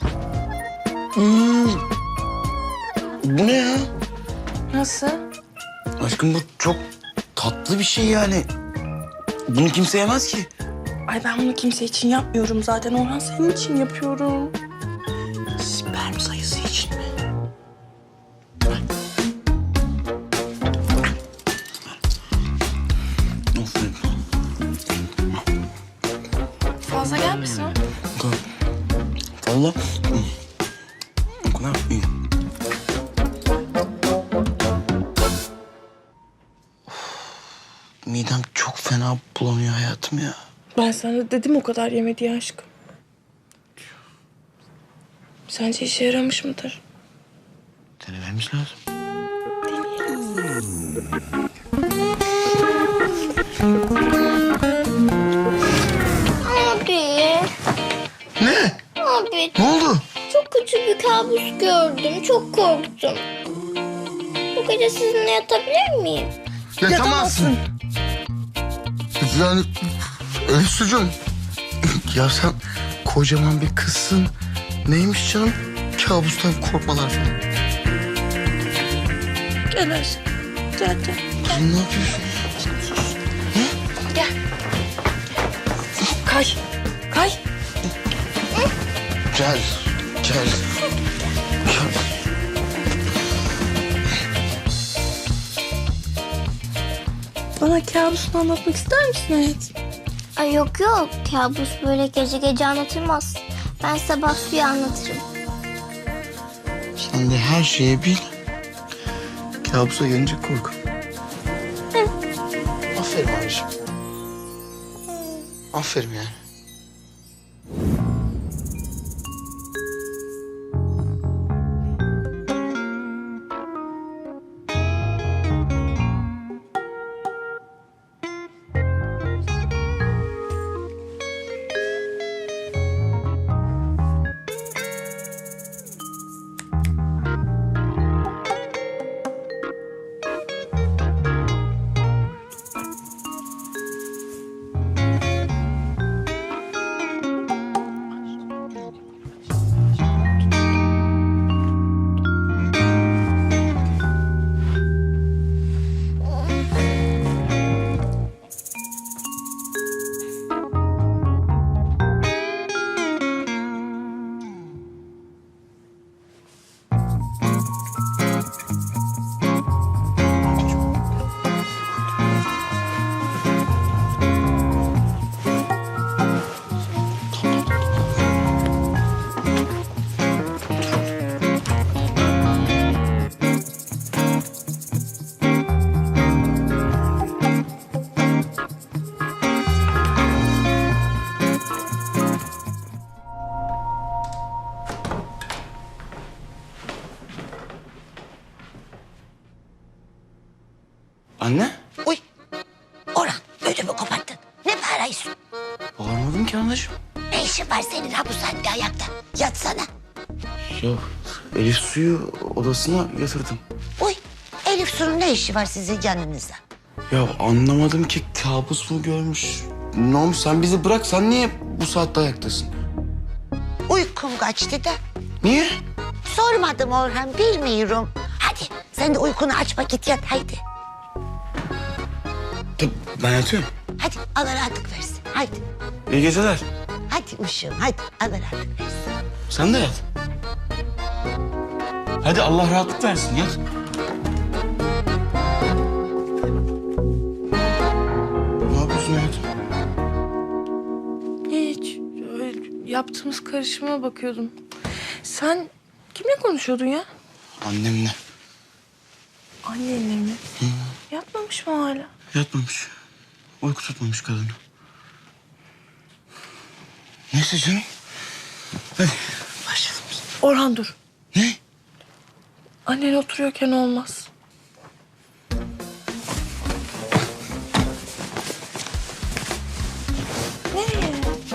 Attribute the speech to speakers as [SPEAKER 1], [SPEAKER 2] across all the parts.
[SPEAKER 1] Bu ne ya?
[SPEAKER 2] Nasıl?
[SPEAKER 1] Aşkım bu çok tatlı bir şey yani. Bunu kimse yemez ki.
[SPEAKER 2] Ay ben bunu kimse için yapmıyorum zaten. Orhan senin için yapıyorum.
[SPEAKER 1] Sperm sayısı için mi? Aferin.
[SPEAKER 2] Fazla gelmesin o.
[SPEAKER 1] Valla. O kadar iyi. Midem çok fena bulanıyor hayatım ya.
[SPEAKER 2] Ben sana dedim o kadar yeme diye aşkım. Sence işe yaramış mıdır?
[SPEAKER 1] Denememiz lazım.
[SPEAKER 3] Abi,
[SPEAKER 1] Ne?
[SPEAKER 3] abi
[SPEAKER 1] Ne oldu?
[SPEAKER 3] çok kötü bir kabus gördüm. Çok korktum. Bu gece sizinle yatabilir miyim?
[SPEAKER 1] Yatamazsın. Yani Elif sucuğum. Ya sen kocaman bir kızsın. Neymiş canım? Kabustan korkmalar falan.
[SPEAKER 2] Gel aşkım. Gel gel.
[SPEAKER 1] Kızım ne yapıyorsun?
[SPEAKER 2] Gel. Kay. Kay.
[SPEAKER 1] Gel. Gel. Gel.
[SPEAKER 2] Bana kabusunu anlatmak ister misin hayatım?
[SPEAKER 3] Ay yok yok. Kabus böyle gece gece anlatılmaz. Ben sabah suyu anlatırım.
[SPEAKER 1] Sen de her şeyi bil. Kabusa gelince kork. Aferin abiciğim. Aferin yani. Anne?
[SPEAKER 4] Uy, Orhan ödümü koparttın. Ne bağırıyorsun?
[SPEAKER 1] Bağırmadım ki anacığım.
[SPEAKER 4] Ne işin var senin ha bu saatte ayakta? Yatsana.
[SPEAKER 1] Ya Elif suyu odasına yatırdım.
[SPEAKER 4] Uy, Elif Su'nun ne işi var sizin yanınızda?
[SPEAKER 1] Ya anlamadım ki kabus mu görmüş? Ne olmuş sen bizi bırak, sen niye bu saatte ayaktasın?
[SPEAKER 4] Uykum kaçtı da.
[SPEAKER 1] Niye?
[SPEAKER 4] Sormadım Orhan, bilmiyorum. Hadi sen de uykunu aç git yat haydi.
[SPEAKER 1] Tabii ben yatıyorum.
[SPEAKER 4] Hadi Allah rahatlık versin. Haydi.
[SPEAKER 1] İyi geceler.
[SPEAKER 4] Hadi uşağım hadi Allah rahatlık versin.
[SPEAKER 1] Sen de yat. Hadi Allah rahatlık versin, yat. Ne yapıyorsun hayatım?
[SPEAKER 2] Hiç. Öyle yaptığımız karışıma bakıyordum. Sen kimle konuşuyordun ya?
[SPEAKER 1] Annemle.
[SPEAKER 2] Annenle mi? Yatmamış mı hala?
[SPEAKER 1] Yatmamış. Uyku tutmamış kadını. Neyse canım. Hadi başlayalım biz.
[SPEAKER 2] Orhan dur.
[SPEAKER 1] Ne?
[SPEAKER 2] Annen oturuyorken olmaz. Nereye?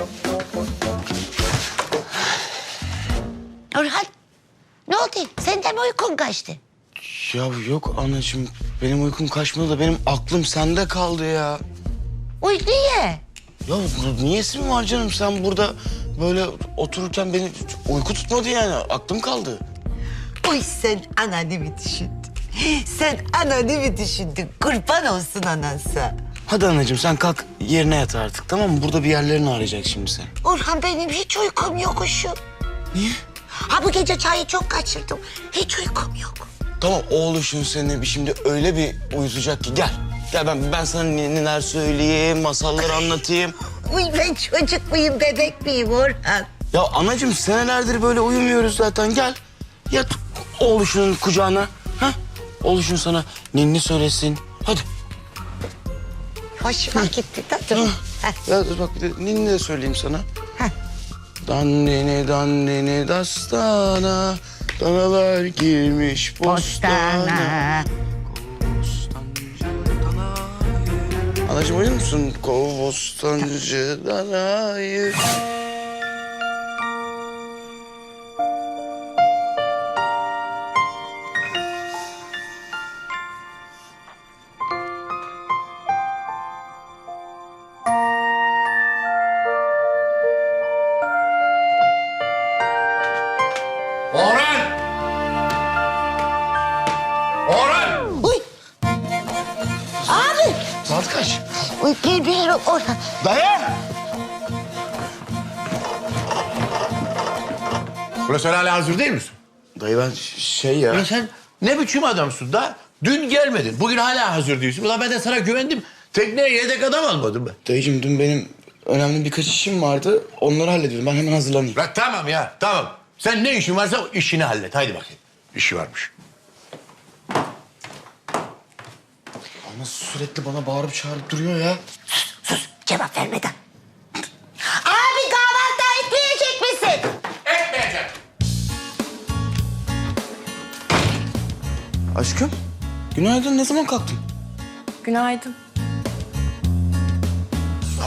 [SPEAKER 4] Orhan ne oldu? Senden mi uykun kaçtı?
[SPEAKER 1] Ya yok anacığım. Benim uykum kaçmadı da benim aklım sende kaldı ya.
[SPEAKER 4] Uy niye?
[SPEAKER 1] Ya niyesi mi var canım, sen burada böyle otururken beni uyku tutmadı yani. Aklım kaldı.
[SPEAKER 4] Uy sen ananı mı düşündün? Sen ananı mı düşündün? Kurban olsun anansa.
[SPEAKER 1] Hadi anacığım sen kalk yerine yat artık, tamam mı? Burada bir yerlerini arayacak şimdi sen.
[SPEAKER 4] Orhan benim hiç uykum yok uşum.
[SPEAKER 1] Niye?
[SPEAKER 4] Ha bu gece çayı çok kaçırdım. Hiç uykum yok.
[SPEAKER 1] Tamam oğluşun seni şimdi öyle bir uyutacak ki gel. Gel ben sana neler söyleyeyim, masallar anlatayım.
[SPEAKER 4] Uy ben çocuk muyum, bebek miyim Orhan?
[SPEAKER 1] Ya anacığım senelerdir böyle uyumuyoruz zaten, gel. Yat oğluşunun kucağına. Ha? Oğluşun sana ninni söylesin. Hadi.
[SPEAKER 4] Hoşuma gitti tatlım.
[SPEAKER 1] Ya dur bak bir de ninni de söyleyeyim sana.
[SPEAKER 4] Heh.
[SPEAKER 1] Dandini dastana, danalar girmiş bostana. Anacığım uyuyor musun? Bostancı danayı.
[SPEAKER 5] Orhan! Orhan!
[SPEAKER 4] Uy. Abi.
[SPEAKER 1] Saat kaç?
[SPEAKER 4] Uy bilmiyorum Orhan.
[SPEAKER 1] Dayan!
[SPEAKER 5] Ulan sen hala hazır değil misin?
[SPEAKER 1] Dayı ben şey ya...
[SPEAKER 5] Ulan sen ne biçim adamsın da? Dün gelmedin. Bugün hala hazır değilsin. Ulan ben de sana güvendim. Tekneye yedek adam almadım ben.
[SPEAKER 1] Dayıcığım dün benim önemli birkaç işim vardı. Onları hallediyorum. Ben hemen hazırlanayım.
[SPEAKER 5] Bırak tamam ya tamam. Sen ne işin varsa işini hallet. Haydi bakayım. İşi varmış.
[SPEAKER 1] Ama sürekli bana bağırıp çağırıp duruyor ya.
[SPEAKER 4] Sus cevap vermeden. Abi kahvaltı etmeyecek misin?
[SPEAKER 5] Etmeyeceğim.
[SPEAKER 1] Aşkım, günaydın. Ne zaman kalktın?
[SPEAKER 2] Günaydın.
[SPEAKER 1] Ya,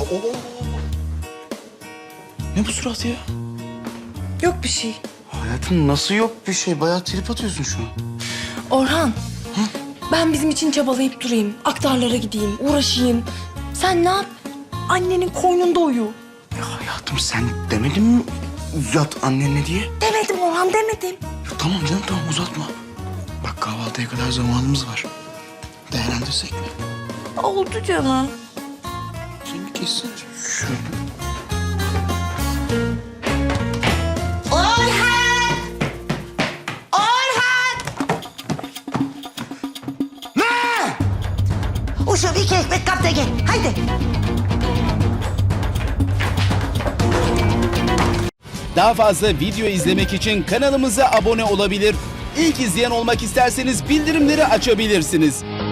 [SPEAKER 1] Ne bu surat ya?
[SPEAKER 2] Yok bir şey.
[SPEAKER 1] Hayatım nasıl yok bir şey? Bayağı trip atıyorsun şu an.
[SPEAKER 2] Orhan. Ben bizim için çabalayıp durayım. Aktarlara gideyim, uğraşayım. Sen ne yap? Annenin koynunda uyu.
[SPEAKER 1] Ya hayatım sen demedin mi yat annenle diye?
[SPEAKER 2] Demedim Orhan, demedim.
[SPEAKER 1] Ya tamam canım tamam uzatma. Bak kahvaltıya kadar zamanımız var. Değerlendirsek mi?
[SPEAKER 2] Oldu canım.
[SPEAKER 1] Sen bir kessin. Şöyle.
[SPEAKER 4] Orhan! Orhan!
[SPEAKER 1] Ne?
[SPEAKER 4] Uşum 2 ekmek kap da gel. Haydi.
[SPEAKER 6] Daha fazla video izlemek için kanalımıza abone olabilir. İlk izleyen olmak isterseniz bildirimleri açabilirsiniz.